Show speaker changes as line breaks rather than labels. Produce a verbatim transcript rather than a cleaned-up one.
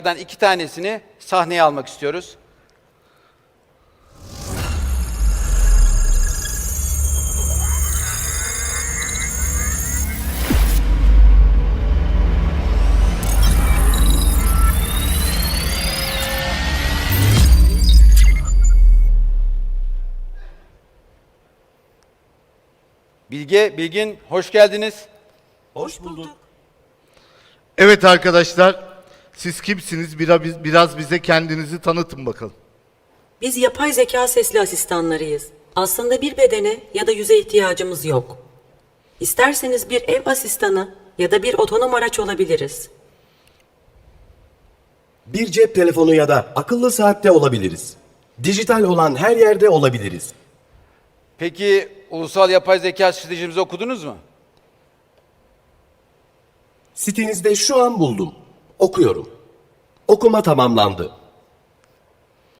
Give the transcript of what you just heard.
iki tanesini sahneye almak istiyoruz. Bilge, Bilgin hoş geldiniz.
Hoş bulduk.
Evet arkadaşlar, siz kimsiniz? Biraz, biraz bize kendinizi tanıtın bakalım.
Biz yapay zeka sesli asistanlarıyız. Aslında bir bedene ya da yüze ihtiyacımız yok. İsterseniz bir ev asistanı ya da bir otonom araç olabiliriz.
Bir cep telefonu ya da akıllı saatte olabiliriz. Dijital olan her yerde olabiliriz.
Peki ulusal yapay zeka stratejimizi okudunuz mu?
Sitenizde şu an buldum. Okuyorum. Okuma tamamlandı.